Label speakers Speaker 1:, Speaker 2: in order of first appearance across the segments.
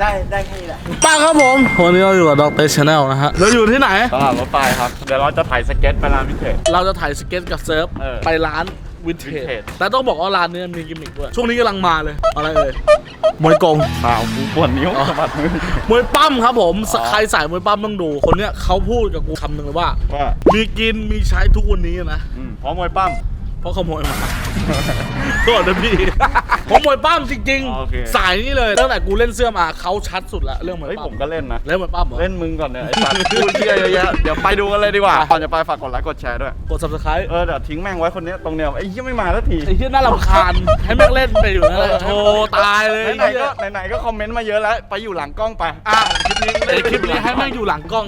Speaker 1: ได้แค่นี้แหละ
Speaker 2: ป้าครับผมวันนี้เราอยู่กับด็อกเตอร์ชาแนลนะฮะเราอยู่ที่ไหน
Speaker 3: ตลาดรถไฟครับเดี๋ยวเราจะถ่ายสเก็ตไปร้านพิเศษ
Speaker 2: เราจะถ่ายสเก็ตกับเซิร์ฟไปร้านวินเทจแต่ต้องบอกว่าร้านนี้มีกิมมิคด้วยช่วงนี้กำลังมาเลยอะไรเอ่ยมวยกง
Speaker 3: เปล่ากูปวดนิ้วสะบัดมือ
Speaker 2: มวยปั้มครับผมใครสายมวยปั้มต้องดูคนเนี้ยเขาพูดกับกูคำหนึ่งเลยว่ามีกินมีใช้ทุกวันนี้นะ
Speaker 3: เพราะมวยปั้ม
Speaker 2: เพราะขโมยมาโทษนะพี่ผมมวยปั้มจริงๆสายนี้เลยตั้งแต่กูเล่นเสื้อมาเขาชัดสุดละเรื่องมวย
Speaker 3: เฮ้ย
Speaker 2: ปั้
Speaker 3: ผม มก็เล่นนะ
Speaker 2: เล่นมวยปั้มเหรอ
Speaker 3: เล่นมึงก่อนเนี่ยไอ้สัตว์พูดเชี่ยเยอะแยะเดี๋ยวไปดูกันเลยดีกว่าก่อนจะไปฝากกดไลค์กดแชร์ด้วย
Speaker 2: กด subscribe
Speaker 3: เดี๋ยวทิ้งแม่งไว้คนนี้ตรงเนี้ยไอ้เหี้ยไม่มาสักที
Speaker 2: ไอ้ที่น่ารำคาญให้แม่งเล่นไปอยู่นั่นแหละโธ่ตายเลย
Speaker 3: ไหนก็คอมเมนต์มาเยอะแล้วไปอยู่หลังกล้องไป
Speaker 2: คลิปนี้ให้แม่งอยู่หลังกล้อง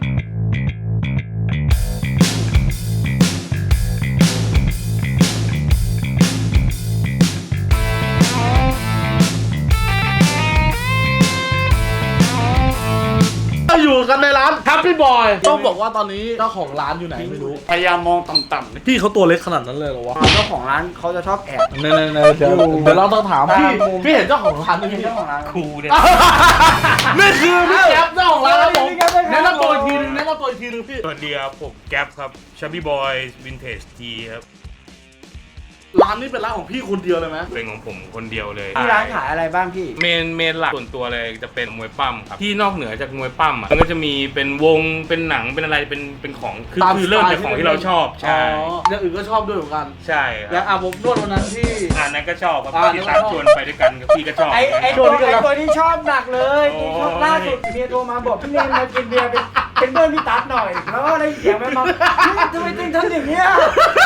Speaker 2: อยู่กันในร้าน Happy Boy ต้องบอกว่าตอนนี้เจ้าของร้านอยู่ไหนไม่รู้
Speaker 3: พยายามมองต่ำๆ
Speaker 2: พี่เขาตัวเล็กขนาดนั้นเลยเหรอวะ
Speaker 1: เจ้าของร้านเขาจะชอบแอบ
Speaker 2: เดี๋ยวเราต้องถามพี่เห็นเจ้าของร้านไหมพี่
Speaker 1: เจ้าของร้าน
Speaker 3: ครูเนี่ย
Speaker 2: นี่คือพี่แก๊ปเจ้าของร้านครับผมแนะนำตัวอีกทีนึงพี่
Speaker 4: สวัสดีครับผมแก๊ปครับชับบี้บอยวินเทจทีครับ
Speaker 2: ร้านนี้เป็นร้านของพี่คนเดียวเลยไหม
Speaker 4: เป็นของผมคนเดียวเลย
Speaker 1: ที่ร้านขายอะไรบ้างพี่
Speaker 4: เมนหลักส่วนตัวเลยจะเป็นมวยปั้มครับที่นอกเหนือจากมวยปั้มอ่ะมันก็จะมีเป็นวงเป็นหนังเป็นอะไรเป็นของคือเริ่มจากของที่เราชอบใช่
Speaker 2: อย่างอื่นก็ชอบด้วยเหมือนกัน
Speaker 4: ใช่ค
Speaker 2: อย่าง
Speaker 4: รับ
Speaker 2: ผมนวดวันนั้นที่
Speaker 4: นั้นก็ชอบครับ
Speaker 2: อ่า
Speaker 4: ที่ตามชวนไปด้วยกันกับพี่ก็ชอบ
Speaker 1: ไอ้ตัวที่ชอบหนักเลยที่ชอบล่าสุดเมียโทรมาบอกพี่เนมมากินเบียร์เป็นเพื่อนพี่ตั๊ดหน่อยแล้วก็ได้เสียงมันมาทำไมตึงทำอย่างเงี้ย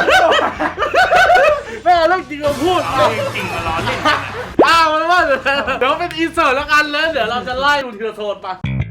Speaker 2: แม่เรื่องจริงเราพูด
Speaker 4: จริงมาล้อเล่น
Speaker 2: มันว่าเดี๋ยวเป็นอินเสิร์ตแล้วกันเลยเดี๋ยวเราจะไล่ดูทีละโซนไป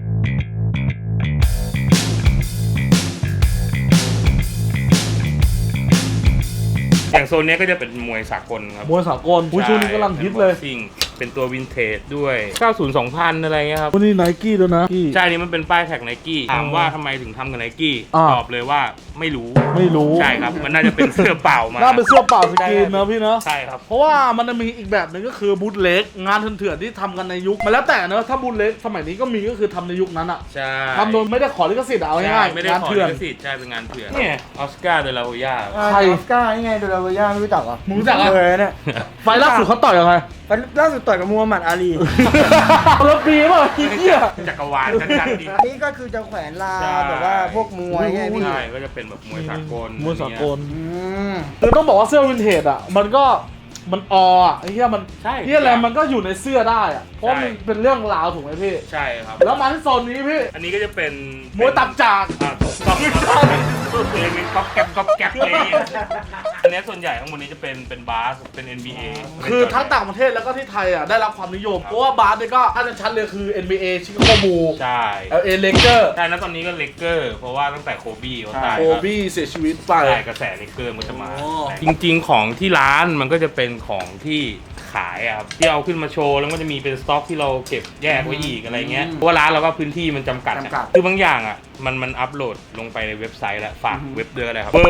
Speaker 4: อย่างโซนนี้ก็จะเป็นมวยสากลครับ
Speaker 2: มวยสากลช่วงนี้กำลังฮิตเลย
Speaker 4: เป็นตัววินเทจด้วย 90 2000 อะไรเงี้ยครับ
Speaker 2: วันนี้ไนกี้ด้วยนะ
Speaker 4: ใช่นี่มันเป็นป้ายแท็กไนกี้ถามว่าทำไมถึงทำกับไนกี้ตอบเลยว่าไม่รู้ใช่ครับมันน่าจะเป็นเสื้อเปล่ามา
Speaker 2: น่าเป็นเสื้อเปล่าสกรีนนะพี่นะ
Speaker 4: ใช่ครับ
Speaker 2: เพราะว่ามันจะมีอีกแบบหนึ่งก็คือบูทเล็กงานเถื่อนๆที่ทำกันในยุคมันแล้วแต่เนอะถ้าบูทเล็กสมัยนี้ก็มีก็คือทำในยุคนั้นอะ
Speaker 4: ใช่
Speaker 2: ทำโดยไม่ได้ขอลิขสิทธิ์เอาง่ายๆ
Speaker 4: ไม่ได้
Speaker 2: งาน
Speaker 4: ขอ
Speaker 2: เถื่อน
Speaker 4: ลิขสิทธิ์ใช่เป็นงานเถื่อนเนี่ยออสการ์เดลาโฮย่า
Speaker 2: ใคร
Speaker 1: ออสการ์นี่ไงดูลาเวย่าไม่รู้จักเหรอ
Speaker 2: มึงรู้จักอะ
Speaker 1: เลยเนี่ย
Speaker 2: ไฟล์ล่าสุดเขาต่อยยังไง
Speaker 1: ล่าสุดต่อยกับมูฮัมหมัดอาลี
Speaker 2: รถปีป่ะพี่เหี้ย
Speaker 4: จักรวาลชัดๆดิ
Speaker 1: นี่ก็คือจะแขวนลาแบบว่าพวกมวยไงพี่
Speaker 4: ใช่ก็จะเป็นแบบมวยสากล
Speaker 2: มวยสากล
Speaker 1: อืม
Speaker 2: คือต้องบอกว่าเสื้อวินเทจอะมันก็มันอ่ะไอ้เหี้ยมัน
Speaker 4: ใช่
Speaker 2: เหี้ยอะไรมันก็อยู่ในเสื้อได้อะเพราะมันเป็นเรื่องราวถูกไหมพี่
Speaker 4: ใช่ครับ
Speaker 2: แล้วมาที่โซนนี้พี่
Speaker 4: อันนี้ก็จะเป็น
Speaker 2: มวยตับจาก
Speaker 4: ถูกต้องครับเป็นก๊อบแก๊ปเลยอันนี้ส่วนใหญ่ข้างบนนี้จะเป็นบาสเป็น NBA
Speaker 2: คือทั้งต่างประเทศแล้วก็ที่ไทยอ่ะได้รับความนิยมเพราะว่าบาสเนี่ยก็ถ้าจะชัดเลยคือ NBA ชิคาโกบูล
Speaker 4: ใช่
Speaker 2: LA Lakers
Speaker 4: ใช่นะตอนนี้ก็เลกเกอร์เพราะว่าตั้งแต่โคบี้เขาตาย
Speaker 2: โคบี้เสียชีวิตไป
Speaker 4: ใช่กระแสเลกเกอร์มันจะมา
Speaker 2: อ๋อ
Speaker 4: จริงๆของที่ร้านมันก็จะเป็นของที่ขายอะครับที่เอาขึ้นมาโชว์แล้วก็จะมีเป็นสต็อกที่เราเก็บแยกไว้อีกอะไรเงี้ยเพราะว่าร้านเราก็พื้นที่มันจำกัดอะคือบางอย่างอ่ะมันอัพโหลดลงไปในเว็บไซต์แล้วฝากเว็บเดือนอะไรครับ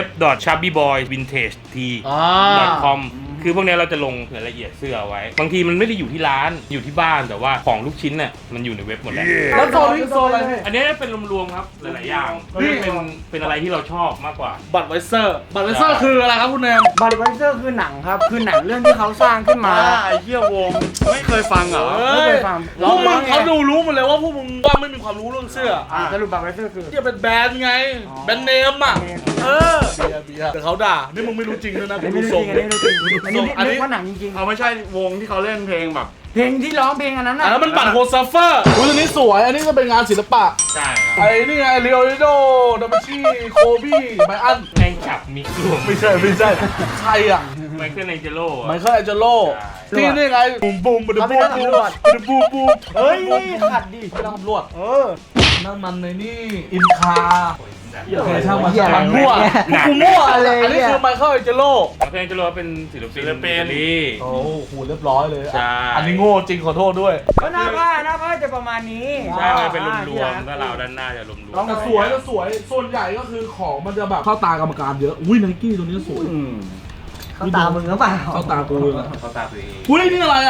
Speaker 4: www.chubbyboyvintage.com คือพวกนี้เราจะลงรายละเอียดเสื้อไว้ บางทีมันไม่ได้อยู่ที่ร้านอยู่ที่บ้านแต่ว่าของลูกชิ้นน่ะมันอยู่ในเว็บหมดแล้ว
Speaker 2: แล้วโซนนี้โซนอะไรพี่
Speaker 4: อันนี้เป็นรวมๆครับหลายๆอย่างเป็นอะไรที่เราชอบมากกว่า
Speaker 2: บัตรไวเซอร์คืออะไรครับคุณแนม
Speaker 1: บัตไวเซอร์คือหนังครับคือหนังเรื่องที่เขาสร้างขึ้นมา
Speaker 3: ไอ้เหี้ยวงไม่เคยฟังเหรอ
Speaker 1: ไม่เคยฟัง
Speaker 2: พวกมึงเขาดูรู้หมดเลยว่าพวกมึงว่าไม่มีความรู้เรื่องเสื้อ
Speaker 1: สรุปบัตไวเซอร์คือ
Speaker 2: ที่เป็นแบรนด์ไงแบรนด์เนมอ่ะเบียร์แต่เขาด่านี่มึงไม่รู้จริงด้วยนะ
Speaker 1: อัน
Speaker 2: กู
Speaker 1: นี้
Speaker 2: ดู
Speaker 1: ไม่
Speaker 2: ท
Speaker 1: รู้
Speaker 2: รง
Speaker 1: จริงอันนี้ไม่รู้จริงอันนี้นึกว่าหนังจริง
Speaker 3: เอาไม่ใช่วงที่เขาเล่นเพลงแบบ
Speaker 1: ๆเพลงที่ร้องเพลงอันนั้น
Speaker 2: อันนั้นมันบัตรโฮสซัฟเฟอร์อุ้ยตัวนี้สวย อันนี้ก็เป็นงานศิลปะ
Speaker 4: ใช่ครับ
Speaker 2: ไอ้นี่ไงเรียวโดดาวินชีโคบี้ไบอัน
Speaker 4: แข่งขับมีกลุ่ม
Speaker 2: ไม่ใช่ใครอ่ะ
Speaker 4: ไมเคิลแองเจโร่
Speaker 2: ไมเคิลแองเจโลที่นี่ไงบูมบูมบูมบูมบูมบูม
Speaker 1: เฮ้ยขัดดิ
Speaker 2: ไม่ต้องตำรวจ
Speaker 1: อ
Speaker 2: นั่นมันในนี่อินคาโอเคช่างมัน
Speaker 1: เหี้ย
Speaker 2: มันมั่วกูมั่วเลยอันนี้คือไมเคิลแองเจโล
Speaker 4: ไมเคิลแองเจโร่เป็นศิลปินอิตาลี
Speaker 2: โอ้โหเรียบร้อยเลย
Speaker 4: ใช่
Speaker 2: อันนี้โง่จริงขอโทษด้วย
Speaker 1: ก็หน้าผ้าจะประมาณนี้
Speaker 4: ใช่มันเป็นรวมๆก็เราด้านหน้าจะรวมๆ
Speaker 2: แต่สวยส่วนใหญ่ก็คือของมันจะแบบเข้าตากรรมการเยอะอุ้ยไนกี้ตัวนี้สวย
Speaker 1: เขาตามึงหรือเปล่า
Speaker 2: เข้าตากูเลยนะ
Speaker 4: เขาตาตัวเอง
Speaker 2: อุ้ยนี่อะไรอ่ะ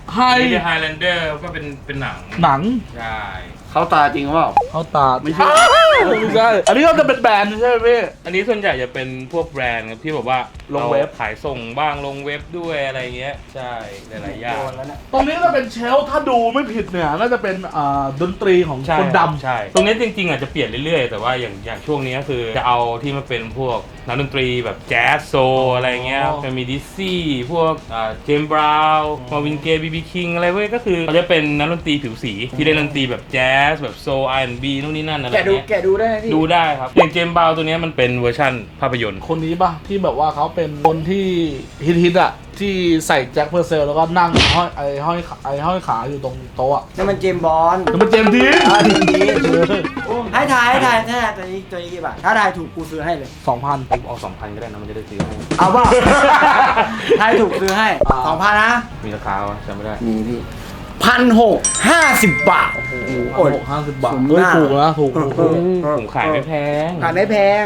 Speaker 2: ไฮ
Speaker 4: นี่คือ Highlander ก็เป็นหนัง
Speaker 2: หนัง
Speaker 4: ใช่
Speaker 3: เขาตาจริงหรือเปล่า
Speaker 2: เขาตาไม่ใช่ไม่ใช่อันนี้ก็จะเป็นแบรนด์ใช่ไหมพี่
Speaker 4: อันนี้ส่วนใหญ่จะเป็นพวกแบรนด์ครับที่แบบว่า
Speaker 2: ลงเว็บ
Speaker 4: ราขายส่งบ้างลงเว็บด้วยอะไรเงี้ยใช่หลายๆอย่าง
Speaker 2: ตรงนี้ก็เป็นเชลฟ์ถ้าดูไม่ผิดเนี่ยน่าจะเป็นดนตรีของ
Speaker 4: ใช่
Speaker 2: คนดำ
Speaker 4: ใช่ตรงนี้จริงๆอาจจะเปลี่ยนเรื่อยๆแต่ว่าอย่างช่วงนี้ก็คือจะเอาที่มาเป็นพวกนักดนตรีแบบแจ๊สโซอะไรเงี้ยจะมีดิซซี่พวกเจมส์บราวน์มาวินเกย์บีบีคิงอะไรเว้ยก็คือเขาจะเป็นนักดนตรีผิวสีที่เล่นดนตรีแบบแจ๊สแบบโซ R&B นู่นนี่นั่นอะไร
Speaker 1: แกะดู
Speaker 4: เงี้ย
Speaker 1: แกะดูได้ไหมพี่
Speaker 4: ดูได้ครับอย่างเจมส์บราวน์ตัวเนี้ยมันเป็นเวอร์ชั่นภาพยนตร์
Speaker 2: คนนี้ป่ะที่แบบว่าเขาเป็นคนที่ฮิตๆอ่ะที่ใส่แจ็คเพอร์เซลแล้วก็นั่งห้อยขาอยู่ตรงโต๊ะอะ
Speaker 1: นี่มันเจมส์บอล
Speaker 2: แล้วมันเจมส์ดีน
Speaker 1: ดีให้ถ่ายตัวนี้กี่บาทถ้าถ่ายถูกกูซื้อให้เลย
Speaker 2: 2,000
Speaker 4: ผมเอา 2,000 ก็ได้นะมันจะได้ซื้อให้
Speaker 1: เอาป่ะถ่ายถูกซื้อให้ 2,000 นะ
Speaker 4: มีราคาวะจำไม่ได้
Speaker 1: มีพี่1,650 บาท
Speaker 2: โอ้โห50 บาท
Speaker 1: ผม
Speaker 2: เฮ้ย
Speaker 1: หน้า
Speaker 2: ถูกนะถูก
Speaker 4: ผมขายไม่แพง
Speaker 1: ขายไม่แพง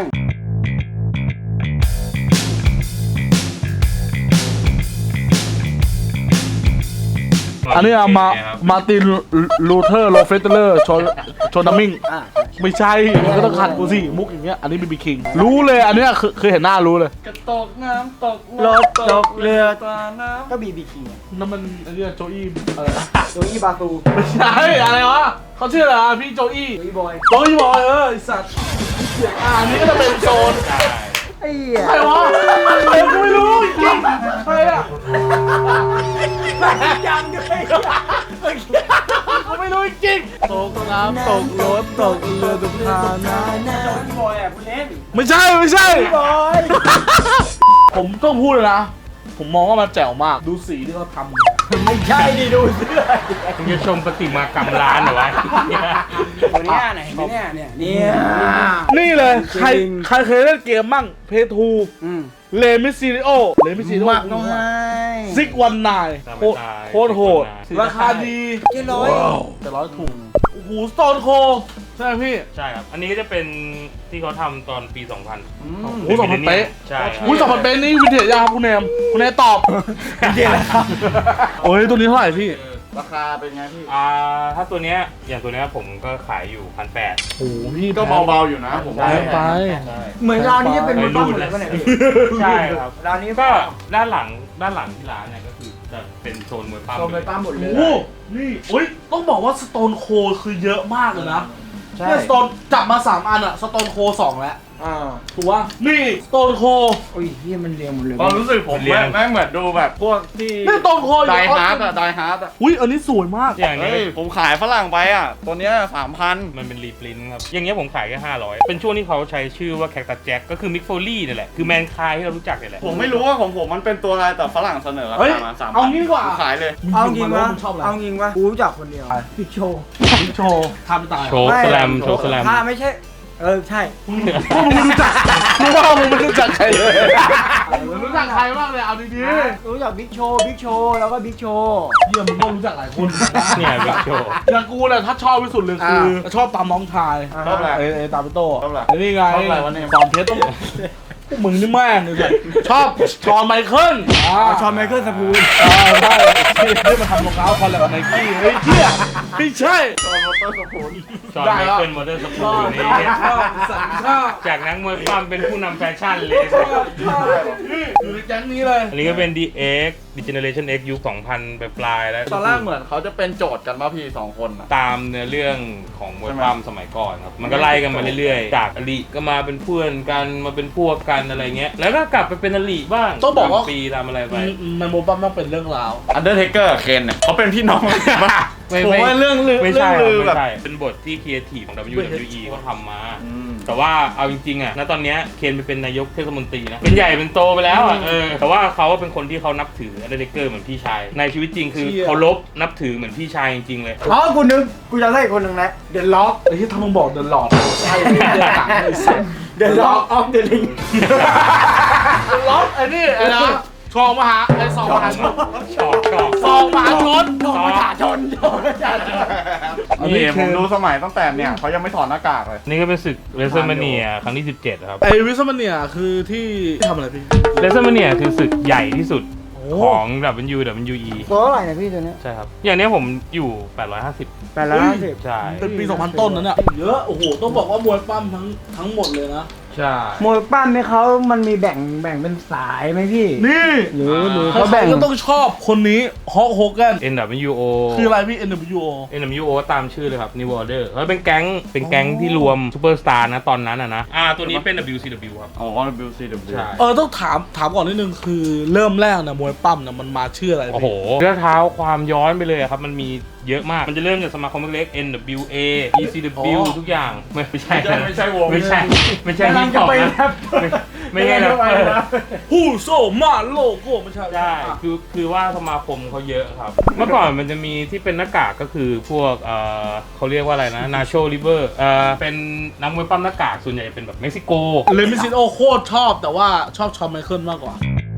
Speaker 2: อันนี้อะมาร์ตินลูเทอร์โรเฟสเตอร์โชนัมมิง
Speaker 1: อ่า
Speaker 2: ไม่ใช่มันก็ต้องขัดกูสิมุกอย่างเงี้ยอันนี้บีบีคิงรู้เลยอันเนี้ยคือเห็นหน้ารู้เลย
Speaker 3: กระตกน้ำตก
Speaker 1: รถตกเรือ
Speaker 3: ตาน้ำ
Speaker 1: ก็บีบีคิง
Speaker 2: นั่นมันอันเนี้ยโจอี้อะไรนะ
Speaker 1: โจอี้บาซู
Speaker 2: ไม่ใช่อะไรวะเขาชื่ออะไรอะพี่โจอี้
Speaker 1: โจอี้บอย
Speaker 2: โจอี้บอยไอ้สัตว์อันนี้ก็จะเป็นโซน
Speaker 1: ไอ้เหี้ย
Speaker 2: ใครวะใครกูไม่รู้จริงใครอะ
Speaker 1: ยังด้วย
Speaker 2: กูไม่รู้จริงตกน้ำตกรถตกเรือตกทางน้
Speaker 1: โจอี้บอยอ่ะคุณเล่น
Speaker 2: ำไม่ใช่ไม่ใช่
Speaker 1: บอย
Speaker 2: ผมต้องพูดเลยนะ ผมมองว่ามันแจ๋วมากดูสีที่เขาทำ
Speaker 1: ไม่ใช่ดิดูเสื้อ
Speaker 4: มึงจะชมประติมากรรมร้านเหรอวะ
Speaker 1: ตัวเนี้ยไหนเนี่ย
Speaker 2: นี่เลย
Speaker 1: จริง
Speaker 2: ใครเคยเล่นเกมมั่งเพทู
Speaker 1: อืม
Speaker 2: เลมิซิลิโอ
Speaker 1: มากต้องให้
Speaker 2: ซิกวันนายโคตรโหด ราคาดี
Speaker 1: 700
Speaker 2: แต่100ถูกโอ้โหสโตนโคใช่ไหมพี่
Speaker 4: ใช่ครับ อันนี้ก็จะเป็นที่เขาทำตอนปี 2000
Speaker 2: โอ้โห2,000 เป๊ะ
Speaker 4: ใช่ครับ
Speaker 2: อุ้ย2,000 เป๊ะนี่วินเทจยังครับคุณเนมตอบวินเทจแล้วครับโอ้ยตัวนี้เท่าไหร่พี่
Speaker 3: ราคาเป็นไงพี่
Speaker 4: ถ้าตัวเนี้ยอย่างตัวเนี้ยผมก็ขายอยู่ 1,800
Speaker 2: โอ้โหพี่
Speaker 3: ก็เบาๆอยู่นะผม
Speaker 2: แพงไป
Speaker 1: เหมือนร้านนี้จะเป็นมือบ้างหมดเลยป่ะเนี่ยพี่
Speaker 4: ใช่ครับ
Speaker 1: ร้านนี้
Speaker 4: ก็ด้านหลังที่ร้านเนี่ยก็คือจะเป็นโซนมวยปั้ม
Speaker 1: โซนมวยปั้มหมดเลย
Speaker 2: โอ้โหนี่อุ้ยต้องบอกว่าสโตนโคคือเยอะมากเลยนะ
Speaker 1: ใช่
Speaker 2: เนี่ยสโตนจับมา3 อันอะสโตนโค2แล้ว ถูกป่ะนี่สโตนโค
Speaker 1: โอ้ยเฮียมันเรียงหมดเลย
Speaker 3: ความรู้สึกผมแม่งเหมือนดูแบบพวกที่
Speaker 2: นี่สโตนโค
Speaker 3: ไดฮาร์ดอะไดฮาร์ดอะ
Speaker 2: อุ้ยอันนี้สวยมาก
Speaker 4: อย่างนี้
Speaker 3: เฮ้ยผมขายฝรั่งไปอะตัวเนี้ย3,000
Speaker 4: มันเป็นรีพรินท์ครับ อย่างเงี้ยผมขายแค่500 เป็นช่วงที่เขาใช้ชื่อว่าแคคตัสแจ็คก็คือมิกโฟลี่นี่แหละ คือแมนคายที่เรารู้จักนี่แหละ
Speaker 3: ผมไม่รู้ว่าของผมมันเป็นตัวอะไรแต่ฝรั่งเสนอรา
Speaker 2: เฮ้ย
Speaker 3: คามา3,000
Speaker 2: เอางี้ดีกว่า
Speaker 3: ผมขายเลย
Speaker 1: เอาจริงวะ
Speaker 2: มึชอบอะไร
Speaker 1: เอาจริงวะกูรู้จักคนเดียวพี่โชว์
Speaker 2: บิ๊กโชว์ทำตาย
Speaker 4: โชว์สแลมโชว์สแลม
Speaker 1: ถ้าไม่ใช่ ใช่
Speaker 2: มึงไม่รู้จักมึงว่ามึงไม่รู้จักใครเลยมึงรู้จักใครบ้างเลยเอาดี
Speaker 1: รู้จักบิ๊กโชว์แล้วก็บิ๊กโชว์
Speaker 2: ๆเยี่ยมึงก็รู้จักหลายคน
Speaker 4: เนี่ยบิ๊กโชว์
Speaker 2: อย่างกูเนี่ยถ้าชอบที่สุดเลยคือชอบตามน้องชาย
Speaker 3: ชอบอะไร
Speaker 2: ไอ้ตามพี่โต้
Speaker 3: ชอบอะไร
Speaker 2: ไอ้นี่ไง
Speaker 3: ชอบอะไรวะเนี่ย
Speaker 2: สอนเพชรต้องพวกมึงนี่แม่งเลยชอบชอนไมเคิล
Speaker 1: ชอนไมเคิลสปูน
Speaker 2: ใช่ที่มาทำรองเท้าคอลแลบกับไนกี้เฮ้ยเที่ยไม่ใช่
Speaker 3: ตัวมอเตอร์สปูน
Speaker 4: จอห์น
Speaker 2: ได้
Speaker 4: ไม
Speaker 2: แล้ว
Speaker 4: เคิลมอเตอร์ส
Speaker 2: ช
Speaker 4: ปู
Speaker 2: อบ
Speaker 4: นนี่
Speaker 2: ชอบสันชอบ
Speaker 4: จากนักมวยปั้มเป็นผู้นำแฟชั่นเลย
Speaker 2: นี่อยู่ในแก๊งนี้เลย
Speaker 4: อันนี้ก็เป็น DX Generation X ยุค 2000 ปลายๆแล้ว
Speaker 3: ตอนแรกเหมือนเขาจะเป็นโจทย์กันป่ะพี่2 คนอะ
Speaker 4: ตามเนื้อเรื่องของมวยปั้มสมัยก่อนครับ มันก็ไล่กันมาเรื่อยๆ จากอลิก็มาเป็นเพื่อนกันมาเป็นพวกกันอะไรเงี้ย แล้วก็กลับไปเป็นอลิบ้าง
Speaker 2: ต้องบอกว่า
Speaker 4: ตมปีตามอะไรไป
Speaker 2: มันโมบัมต้องเป็นเรื่องราว
Speaker 3: อันเดอร์เทเกอร์เคนเนี่ยเขาเป็นพี่น้องกันปะ
Speaker 4: ไม่
Speaker 3: ผมว่าเรื่องลือ
Speaker 4: ไม่
Speaker 3: เรื่
Speaker 4: ใช่
Speaker 3: อง
Speaker 4: ครับ
Speaker 3: ลือ
Speaker 4: ไม่
Speaker 3: แบบ
Speaker 4: ใช่เป็นบทที่ครีเอทีฟของ WWE เขาทำมา
Speaker 3: อืม
Speaker 4: แต่ว่าเอาจริงๆอ่ะณตอนเนี้ยเคนไปเป็นนายกเทศมนตรีนะ เป็นใหญ่เป็นโตไปแล้วอ่ะแต่ว่าเขาเป็นคนที่เขานับถืออันเดอร์เทเกอร์เหมือนพี่ชาย ในชีวิตจริงคือเคารพนับถือเหมือนพี่ชายจริงๆเลย
Speaker 1: อ๋อกูจะได้อีกคนหนึ่งนะเดอะล็อก
Speaker 2: ไอ้ที่ทำมึงบอกเดินหลอดใช่เลยไอ้สัส
Speaker 1: เดอะล็อกออฟเดอะลิง
Speaker 2: ล็อกไอ้นี่ไอ้นะชองมหาไอ้สองมหาชน
Speaker 4: ชอบ
Speaker 2: สองมหาชน
Speaker 1: โดนประชาชน
Speaker 3: นี่ผมดูสมัยตั้งแต่เนี่ยเขายังไม่ถอดหน้ากากเลย
Speaker 4: นี่ก็เป็นศึกเรเซอร์มาเนียครั้งที่ 17 ครับ
Speaker 2: ไอ้วิสมันเนี่ยคือที่ทำอะไรพี่
Speaker 4: เรเซอร์มาเนียคือศึกใหญ่ที่สุดของ WWE
Speaker 1: ตัวเท่าไหร่เนี่ยพี่ตัวเนี้ย
Speaker 4: ใช่ครับ อย่างนี้ผมอยู่ 850
Speaker 1: 850
Speaker 4: ใช่
Speaker 2: เป็นปี 2000 ต้นนั้นเนี่ยเยอะโอ้โหต้องบอกว่ามวยปั้มทั้งหมดเลยนะ
Speaker 4: ใช่
Speaker 1: มวยปั้มไหมเขามันมีแบ่งเป็นสายไหมพี่
Speaker 2: นี่
Speaker 1: หรือ
Speaker 2: เขา
Speaker 1: เขา
Speaker 2: แบ่
Speaker 1: แบ่
Speaker 2: ง
Speaker 1: ง
Speaker 2: ก็ต้องชอบคนนี้ฮอกโฮกัน
Speaker 4: NWO
Speaker 2: คืออะไรพี่ NWO
Speaker 4: NWO ตามชื่อเลยครับ New Order เขาเป็นแก๊งที่รวมซูเปอร์สตาร์นะตอนนั้นนะตัวนี้เป็น WCW ครับ
Speaker 3: อ๋อ WCW
Speaker 4: ใช่
Speaker 2: ต้องถามก่อนนิดนึงคือเริ่มแรกนะมวยปั้มนะมันมาชื่ออะไร
Speaker 4: โอ้โห
Speaker 2: พี่
Speaker 4: เรื่องเท้าความย้อนไปเลยครับ มันมีเยอะมาก มันจะเริ่มจากสมาคมเล็กๆ NWA ECW ทุกอย่าง ไม่ใช่
Speaker 3: ไม่ใช่วง
Speaker 4: ไม่ใช่ฮิปฮอปนะไม่ใช่แรปเปอร์
Speaker 2: ฮู้โซมาโลโก้ไม่ใช่
Speaker 4: ใช่คือว่าสมาคมเขาเยอะครับ เมื่อก่อนมันจะมีที่เป็นหน้ากากก็คือพวกเขาเรียกว่าอะไรนะ Nacho Liber เป็นนักมวยปั้มหน้ากากส่วนใหญ่เป็นแบบเม็กซิโก
Speaker 2: เลมิซิโอโคตรชอบแต่ว่าชอบชอนไมเคิลมากกว่า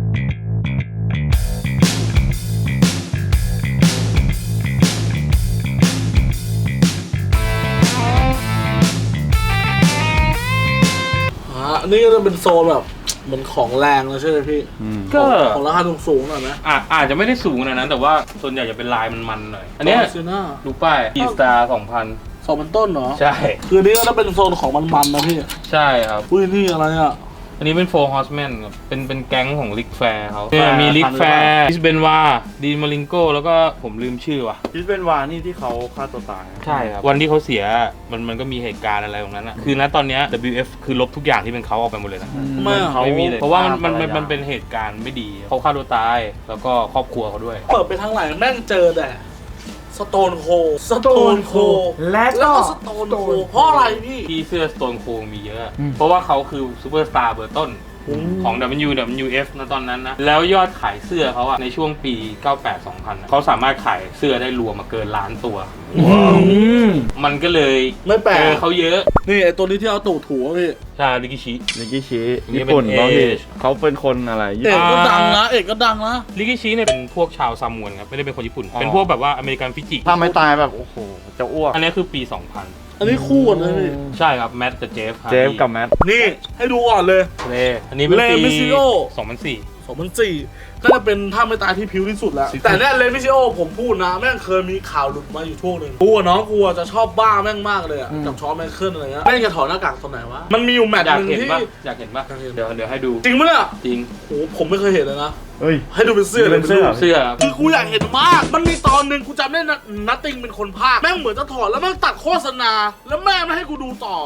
Speaker 2: นี่ก็จะเป็นโซนแบบเหมือนของแรงแล้วใช่ไหมพี่
Speaker 3: ก็
Speaker 2: ของราคาสูงๆหน่อยไหม
Speaker 4: อาจจะไม่ได้สูงขนาดนั้นแต่ว่าส่วนใหญ่จะเป็นลายมันๆหน่อย อันเนี้ย
Speaker 2: ซีน่า
Speaker 4: ดูป้าย G-Star 2000
Speaker 2: 2,000 ต้นเหรอ
Speaker 4: ใช่
Speaker 2: คือนี่ก็จะเป็นโซนของมันๆนะพี่
Speaker 4: ใช่ครับ
Speaker 2: อุ้ยนี่อะไรอ่ะ
Speaker 4: อันนี้เป็น4 Horsemen ครับเป็นแก๊งของลิกแฟร์เขาเนี่ยมีลิกแฟร์อิสเบนวาดีมาริงโกแล้วก็ผมลืมชื่อว่ะ
Speaker 3: คิดเป็นวานี่ที่เขาฆ่าตัวตาย
Speaker 4: ใช่ครับ วันที่เขาเสียมันก็มีเหตุการณ์อะไรตรงนั้นอะคือณตอนเนี้ย WF คือลบทุกอย่างที่เป็นเขาออกไปหมดเลยนะ
Speaker 2: ไม่อะ
Speaker 3: เขา
Speaker 4: ไม่มีเลยเพราะว่ามัน
Speaker 3: ภรรยา
Speaker 4: เป็นเหตุการณ์ไม่ดีเขาฆ่าตัวตายแล้วก็ครอบครัวเขาด้วย
Speaker 2: เปิดไปทางไหนแม่งเจอแต่สโตนโค
Speaker 1: และ
Speaker 2: แล้ว
Speaker 1: ก็
Speaker 2: ก็สโตนโคเพราะอะไรพี่
Speaker 4: ที่เสื้อ Stone Cold มีเยอะ เพราะว่าเขาคือซูเปอร์สตาร์เบอร์ต้นของ WWF นะตอนนั้นนะ แล้วยอดขายเสื้อเขาอะในช่วงปี 98-2000อะเขาสามารถขายเสื้อได้รวมมาเกินล้านตัว มันก็เลย
Speaker 2: ไม่แปลก
Speaker 4: เจอเขาเยอะ
Speaker 2: นี่ไอตัวนี้ที่เอาตูดถูอะพี่
Speaker 4: ใช่ลิกิชิ
Speaker 3: นิกิชิ
Speaker 4: นี่
Speaker 3: ญี่ปุ่น
Speaker 4: เป็น
Speaker 3: บางที
Speaker 4: Age
Speaker 3: เขาเป็นคนอะไรญี่
Speaker 2: เอก
Speaker 3: ปุ่น
Speaker 2: ก็ดังนะเอกก็ดังนะ
Speaker 4: ลิกิชิเนี่ยเป็นพวกชาวซามวนครับ ไม่ได้เป็นคนญี่ปุ่น เป็นพวกแบบว่าอเมริกันฟิจิ
Speaker 3: ถ้าไม่ตายแบบ โอ้โห จะอ้วก
Speaker 4: อันนี้คือปี 2000
Speaker 2: อันนี้คู่กันเลยพี่
Speaker 4: ใช่ครับแมทกับเจฟ
Speaker 3: เจฟกับแมท
Speaker 2: นี่ให้ดูก่อนเลย
Speaker 4: เลอันนี้เป็นปี
Speaker 2: เลมิซิโอ
Speaker 4: 2004
Speaker 2: 2004ก็จะเป็นท่าไม่ตายที่พิ้วที่สุดแล้ว แต่เนี่ยเลมิซิโอผมพูดนะแม่งเคยมีข่าวหลุดมาอยู่ช่วงหนึ่งกูอะน้องกูอะจะชอบบ้าแม่งมากเลยอะกับชอไมเคิลอะไรเงี้ยแม่งจะถอดหน้ากากตอนไหนวะมันมีอยู่แมตช์
Speaker 4: อยาก
Speaker 2: หนึ่ง
Speaker 4: เห็น
Speaker 2: ที่
Speaker 4: ปะอยากเห็นปะ
Speaker 2: อยากเห็น
Speaker 4: เดี๋ยวให้ดู
Speaker 2: จริงปะเนี่ย
Speaker 4: จริง
Speaker 2: โอ้ผมไม่เคยเห็นเลยนะ
Speaker 3: เฮ้ย
Speaker 2: ให้ดูเป็นเสื้อเลย
Speaker 3: เป็นเสื้อ
Speaker 2: ดู
Speaker 4: เสื้อครับ
Speaker 2: คือกูอยากเห็นมาก มันมีตอนหนึ่งกูจำได้นัตติงเป็นคนพากย์แม่งเหมือนจะถอดแล้วแม่งตัดโฆษณา แล้วแม่ไม่ให้กูดูต่อ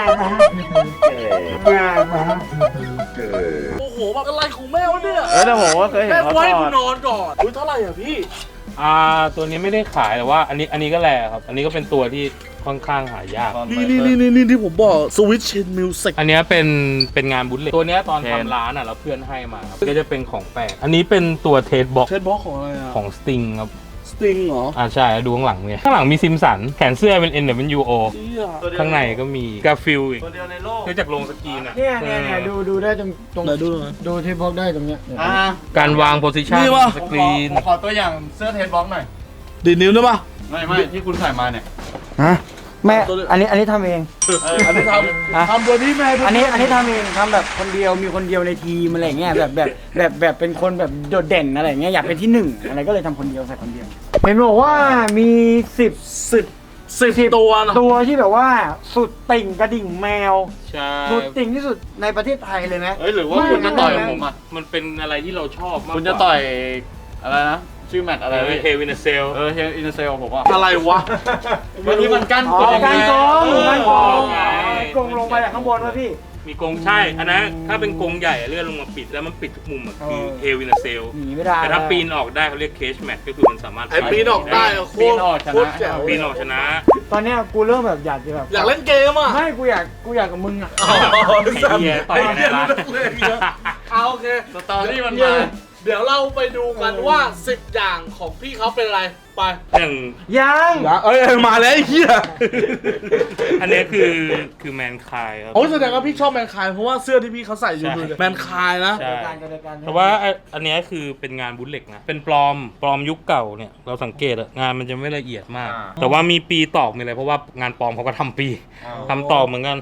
Speaker 2: โอ้โหแบบอะไรของแม่วะเนี่ย
Speaker 3: แต่ผมว่าเคยเห็น
Speaker 2: แม่
Speaker 3: เขา
Speaker 2: ไว้
Speaker 3: ถ
Speaker 2: กู
Speaker 3: อด
Speaker 2: นอนก่อนอุ้ยเท่าไหร่อ่ะพี่
Speaker 4: ตัวนี้ไม่ได้ขายแต่ว่าอันนี้ก็แลครับ อันนี้ก็เป็นตัวที่ค่อนข้างหายาก
Speaker 2: นี่ที่ผมบอกสวิตช์เชนมิวสิก
Speaker 4: อันเนี้ยเป็นงานบุลเลตตัวเนี้ยตอนทำร้านอ่ะแล้วเพื่อนให้มาครับก็จะเป็นของแปลกอันนี้เป็นตัวเทสบ็อก
Speaker 2: เชนบ็อกของอะไรอ่ะ
Speaker 4: ของสติงครับ
Speaker 2: สติงเหรอ
Speaker 4: ใช่ดูข้างหลังเนี่ยข้างหลังมีซิมสันแขนเสื้อเป็น NWO
Speaker 2: เชี่ย
Speaker 4: ข้างในก็มีกาฟิลอีก
Speaker 3: ตัวเดียวในโลก
Speaker 4: คือจากลงสกรีนอ่ะ
Speaker 1: เนี่ยดูได้ตรง
Speaker 2: ไหนดูหน่อย
Speaker 1: ดูที่พกได้ตรงเนี้ย
Speaker 4: การวางโพสิชัน
Speaker 2: นี่วะ
Speaker 4: สกรีน
Speaker 3: ขอตัวอย่างเสื้อเทสบ็อกหน่อย
Speaker 2: ดีดนิ้วได้ปะ
Speaker 3: ไม่ที่คุณใส่มาเนี่ย
Speaker 1: ฮะแม่อันนี้ทำเอง
Speaker 2: อันนี้ทำตัวนี้แม่
Speaker 1: อันนี้ทำเองทำแบบคนเดียวมีคนเดียวในทีมอะไรเงี้ยแบบเป็นคนแบบโดดเด่นอะไรเงี้ยอยากเป็นที่หนึ่งอะไรก็เลยทำคนเดียวใส่คนเดียวเห็นบอกว่ามี10
Speaker 2: ตัวนะ
Speaker 1: ตัวที่แบบว่าสุดติ่งกระดิ่งแมว
Speaker 4: ใช่
Speaker 1: สุดติ่งที่สุดในประเทศไทยเลยไหม
Speaker 3: เฮ้ยหรือว่าคุณจะต่อยกับผมอ่ะ
Speaker 4: มันเป็นอะไรที่เราชอบมากกว่า
Speaker 3: คุณจะต่อยอะไรนะ ชื่อแมตช์อะไรพี่
Speaker 4: เฮวินเซล
Speaker 3: เฮลอินเซลผมว่า
Speaker 2: อะไรวะ
Speaker 3: วันนี้มันกั้น
Speaker 1: อ๋อการโกง
Speaker 4: เออ
Speaker 1: การโกง
Speaker 4: ไง
Speaker 1: โกงลงไปจากข้างบนวะพี่
Speaker 4: มีกรงใช่ อันนั้นถ้าเป็นกรงใหญ่อะเลื่อนลงมาปิดแล้วมันปิดทุกมุมอะคือ
Speaker 1: เออ
Speaker 4: เฮวินเซล
Speaker 1: หนีไม่ได้
Speaker 4: แต่ถ้าปีนออกได้เขาเรียกเคชแมทก็คือมันสามารถ
Speaker 2: ไอ้ปีนออกได้อะโคตรโคตรแจ๋ว
Speaker 4: ปีนออกชนะ
Speaker 1: ตอนเนี้ยกูเริ่มแบบอยากจะแบบ
Speaker 2: อยากเล่นเกมอ่ะ
Speaker 1: ไม่กูอยากกับมึงอ่ะ
Speaker 2: อ๋อ
Speaker 4: ไอ้เหี้ยต่อยกันได้ละ
Speaker 2: เอาโอเค
Speaker 3: สตอรี่มัน
Speaker 2: เดี๋
Speaker 3: มา
Speaker 2: ยวเดี๋ยวเราไปดูกันว่า 10 อย่างของพี่เขาเป็นอะไร ไป
Speaker 4: อย่าง
Speaker 1: ยัง
Speaker 2: เอ้ยมาแล้วไอ้เหี้ย
Speaker 4: อันนี้คือแมนคายครับ
Speaker 2: โอ้แสดงว่าพี่ชอบแมนคายเพราะว่าเสื้อที่พี่เขาใส่อยู่
Speaker 4: ใช่
Speaker 2: แมนคายนะ
Speaker 4: ใช่
Speaker 1: การกันกัน
Speaker 4: แต่ว่าอันเนี้ยคือเป็นงานบุลเล็กนะ เป็นปลอมยุคเก่าเนี่ย เราสังเกตอะงานมันจะไม่ละเอียดมาก แต่ว่ามีปีตอกมีอะไรเพราะว่างานปลอมเขาก็ทำปีทำตอกเหมือนกัน